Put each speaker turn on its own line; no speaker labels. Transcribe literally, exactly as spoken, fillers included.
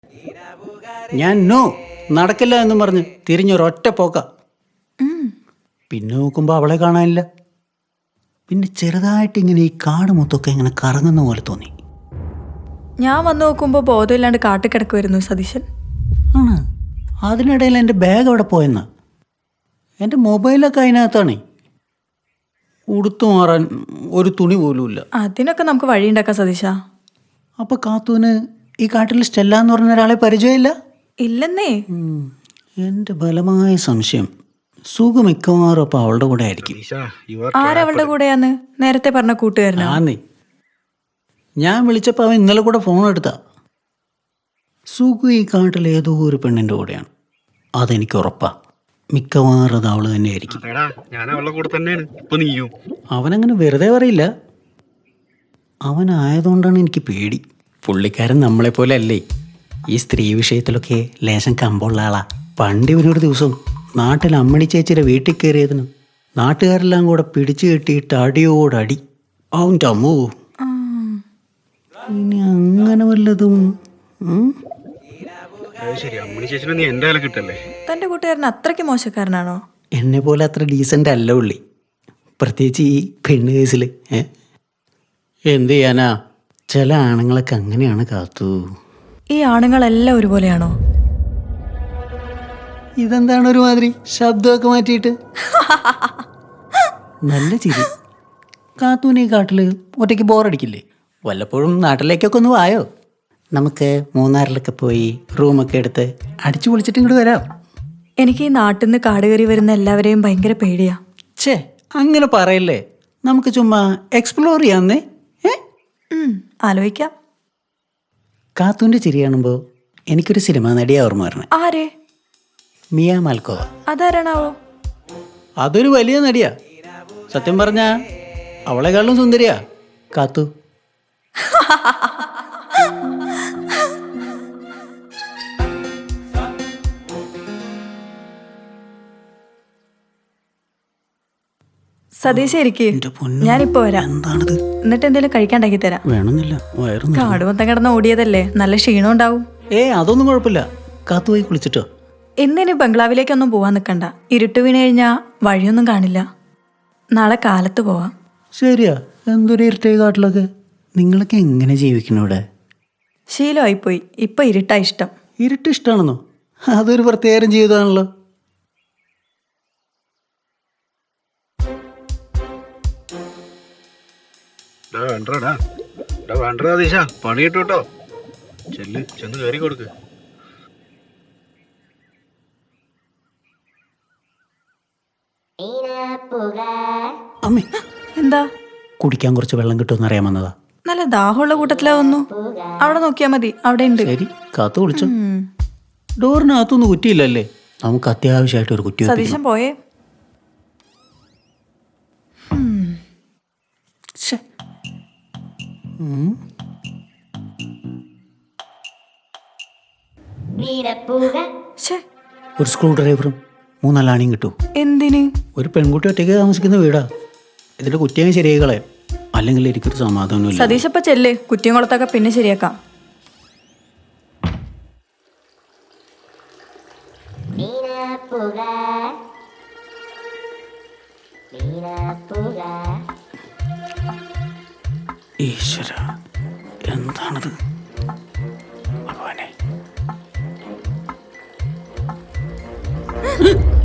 ഞാൻ നോ നടക്കില്ല എന്നും പറഞ്ഞ് തിരിഞ്ഞൊരൊറ്റ പോക്ക. പിന്നെ നോക്കുമ്പോൾ അവളെ കാണാനില്ല. പിന്നെ ചെറുതായിട്ട് ഇങ്ങനെ ഈ കാട് മൊത്തമൊക്കെ ഇങ്ങനെ കറങ്ങുന്ന പോലെ തോന്നി.
ഞാൻ വന്നു നോക്കുമ്പോൾ ബോധമില്ലാണ്ട് കാട്ടിക്കിടക്കുമായിരുന്നു സതീശൻ.
ആണ്. അതിനിടയിൽ എൻ്റെ ബാഗ് അവിടെ പോയെന്നാ. എൻ്റെ മൊബൈലൊക്കെ അതിനകത്താണ്. ഉടുത്തു മാറാൻ ഒരു തുണി പോലും ഇല്ല.
അതിനൊക്കെ നമുക്ക് വഴിയുണ്ടാക്കാം സതീശ.
അപ്പോൾ കാത്തൂന് ഈ കാട്ടിൽ സ്റ്റെല്ല എന്ന് പറഞ്ഞ ഒരാളെ പരിചയമില്ല?
ഇല്ലെന്നേ.
എൻ്റെ ബലമായ സംശയം സുഖ മിക്കവാറും അപ്പം അവളുടെ കൂടെ ആയിരിക്കും.
ആരവളുടെ കൂടെയാന്ന് നേരത്തെ പറഞ്ഞ കൂട്ടുകാരനാ?
ആന്നേ. ഞാൻ വിളിച്ചപ്പോൾ അവൻ ഇന്നലെ കൂടെ ഫോൺ എടുത്താ. സുഖു ഈ കാട്ടിൽ ഏതോ ഒരു പെണ്ണിൻ്റെ കൂടെയാണ്. അതെനിക്ക് ഉറപ്പാ. മിക്കവാറും അത് അവള് തന്നെ ആയിരിക്കും. അവനങ്ങനെ വെറുതെ പറയില്ല. അവനായതുകൊണ്ടാണ് എനിക്ക് പേടി. പുള്ളിക്കാരൻ നമ്മളെപ്പോലെ അല്ലേ. ഈ സ്ത്രീ വിഷയത്തിലൊക്കെ ലേശം കമ്പുള്ള ആളാ. പണ്ട് ഇവനൊരു ദിവസം നാട്ടിൽ അമ്മണി ചേച്ചിയുടെ വീട്ടിൽ കയറിയതിന് നാട്ടുകാരെല്ലാം കൂടെ പിടിച്ചു കെട്ടിയിട്ട് അടിയോടടി. അവൻ്റെ അമ്മോ. ഇനി അങ്ങനെ വല്ലതും.
തന്റെ കൂട്ടുകാരൻ അത്രയ്ക്ക് മോശക്കാരനാണോ?
എന്നെ പോലെ അത്ര ഡീസൻ്റ് അല്ല ഉള്ളി. പ്രത്യേകിച്ച് ഈ പെണ്ണ് കേസിൽ. ഏ എന്ത് ചെയ്യാനാ, ചില ആണുങ്ങളൊക്കെ അങ്ങനെയാണ് കാത്തു.
ഈ ആണുങ്ങളെല്ലാം ഒരുപോലെയാണോ?
ഇതെന്താണ് ഒരുമാതിരി ശബ്ദമൊക്കെ മാറ്റിയിട്ട്? നല്ല ചിരി. കാത്തൂന് ഈ കാട്ടിൽ ഒറ്റയ്ക്ക് ബോറടിക്കില്ലേ? വല്ലപ്പോഴും നാട്ടിലേക്കൊക്കെ ഒന്ന് വായോ. നമുക്ക് മൂന്നാറിലൊക്കെ പോയി റൂമൊക്കെ എടുത്ത് അടിച്ചു പൊളിച്ചിട്ട് ഇങ്ങോട്ട് വരാം.
എനിക്ക് ഈ നാട്ടിൽ നിന്ന് കാട് കയറി വരുന്ന എല്ലാവരെയും ഭയങ്കര പേടിയാ.
ഛേ, അങ്ങനെ പറയല്ലേ. നമുക്ക് ചുമ്മാ എക്സ്പ്ലോർ ചെയ്യാന്നേ. ഏ
ആലോചിക്കാം.
കാത്തൂൻ്റെ ചിരി കാണുമ്പോൾ എനിക്കൊരു സിനിമ നടിയാ ഓർമ്മ വരണേ.
ആരെ?
മിയ മാൽക്കോവ.
അതാരണാവോ?
അതൊരു വലിയ നടിയാ. സത്യം പറഞ്ഞാ അവളെക്കാളും സുന്ദരിയാ കാത്തു.
സതീശ ഇരിക്ക്, ഞാനിപ്പോ വരാം.
എന്താണിത്?
എന്നിട്ട് എന്തെങ്കിലും കഴിക്കാണ്ടാക്കി തരാം.
വേണമെന്നില്ല, വയറും.
കാട് മൊത്തം കിടന്ന് ഓടിയതല്ലേ, നല്ല ക്ഷീണം ഉണ്ടാവും.
ഏ അതൊന്നും കുഴപ്പമില്ല. കാത്തു പോയി കുളിച്ചിട്ടോ.
ഇന്നിനി ബംഗ്ലാവിലേക്കൊന്നും പോവാൻ നിൽക്കണ്ട. ഇരുട്ട് വീണ് കഴിഞ്ഞാ വഴിയൊന്നും കാണില്ല. നാളെ കാലത്ത് പോവാം.
ശരിയാ. എന്തൊരു ഇരുട്ടേ കാട്ടിലൊക്കെ. നിങ്ങളൊക്കെ എങ്ങനെ ജീവിക്കണം ഇവിടെ?
ശീലമായിപ്പോയി. ഇപ്പൊ ഇരുട്ടാ ഇഷ്ടം.
ഇരുട്ട് ഇഷ്ടമാണെന്നോ? അതൊരു പ്രത്യേകം ജീവിതമാണല്ലോ.
പണി കിട്ടൂട്ടോ. ചെല്ല് ചെന്ന് കയറി കൊടുക്ക്.
അമ്മേ,
എന്താ?
കുടിക്കാൻ കുറച്ച് വെള്ളം കിട്ടുമെന്ന് അറിയാൻ വന്നതാ.
നല്ല ദാഹമുള്ള കൂട്ടത്തിലാ വന്നു. അവിടെ നോക്കിയാ മതി, അവിടെ ഉണ്ട്.
ശരി, കാത്തു കുളിച്ചോ. ഡോറിനകത്തൊന്നും കുറ്റിയില്ലല്ലേ? നമുക്ക് അത്യാവശ്യമായിട്ട് ഒരു കുറ്റി.
സതീശൻ പോയേ?
ഒരു സ്ക്രൂ ഡ്രൈവറും മൂന്നല്ലാണിയും കിട്ടൂ.
എന്തിന്?
ഒരു പെൺകുട്ടി ഒറ്റയ്ക്ക് താമസിക്കുന്ന വീടാ. ഇതിന്റെ കുറ്റിയും ശരിയായി കളയാം. അല്ലെങ്കിൽ എനിക്കൊരു സമാധാനമില്ല.
സതീശപ്പ ചെല്ല്, കുറ്റിയും കുളത്തൊക്കെ പിന്നെ ശരിയാക്കാം.
ഈശ്വര, എന്താണത്? ഭഗവാനെ.